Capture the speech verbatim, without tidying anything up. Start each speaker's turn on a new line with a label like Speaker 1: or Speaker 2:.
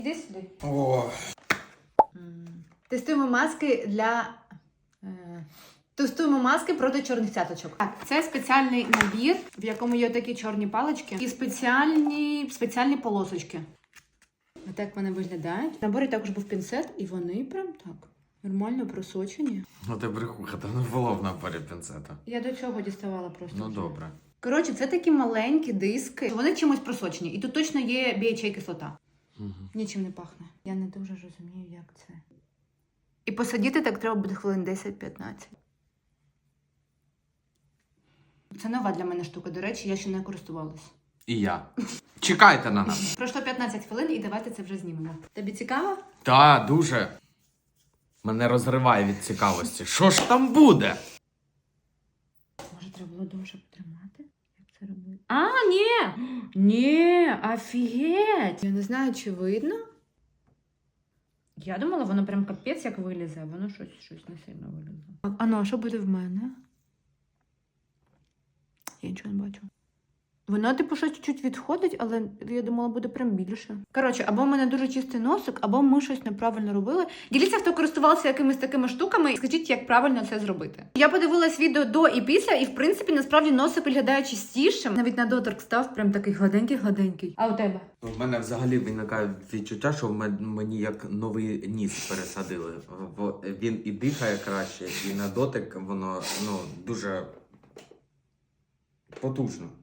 Speaker 1: Іди сюди.
Speaker 2: О.
Speaker 1: Тестуємо маски для... Е... Тестуємо маски проти чорних цяточок. Так, це спеціальний набір, в якому є такі чорні палички і спеціальні, спеціальні полосочки. А так вони виглядають. В наборі також був пінцет, і вони прям так нормально просочені.
Speaker 2: Ну ти брехуха, там не було в наборі пінцета.
Speaker 1: Я до цього діставала просто.
Speaker 2: Ну
Speaker 1: вже.
Speaker 2: добре.
Speaker 1: Коротше, це такі маленькі диски. Вони чимось просочені. І тут точно є бі ейч ей кислота.
Speaker 2: Угу.
Speaker 1: Нічим не пахне. Я не дуже розумію, як це. І посадити так треба буде хвилин десять-п'ятнадцять. Це нова для мене штука, до речі, я ще не користувалась.
Speaker 2: І я. Чекайте на нас.
Speaker 1: Пройшло п'ятнадцять хвилин і давайте це вже знімемо. Тобі цікаво?
Speaker 2: Та, дуже. Мене розриває від цікавості. Що ж там буде?
Speaker 1: Може, треба було довше потримати? Як це робити? А, ні! Ні, офігеть! Я не знаю, чи видно. Я думала, воно прям капець як вилізе, а воно щось, щось не сильно вилізе. А ну, а що буде в мене? Я нічого не бачу. Воно, типу, щось чуть-чуть відходить, але я думала, буде прям більше. Коротше, або в мене дуже чистий носик, або ми щось неправильно робили. Діліться, хто користувався якимись такими штуками, і скажіть, як правильно це зробити. Я подивилась відео до і після, і, в принципі, насправді носик виглядає чистішим. Навіть на доторк став прям такий гладенький-гладенький. А у тебе?
Speaker 2: У мене взагалі виникає відчуття, що мені як новий ніс пересадили. Він і дихає краще, і на дотик воно, ну, дуже потужно.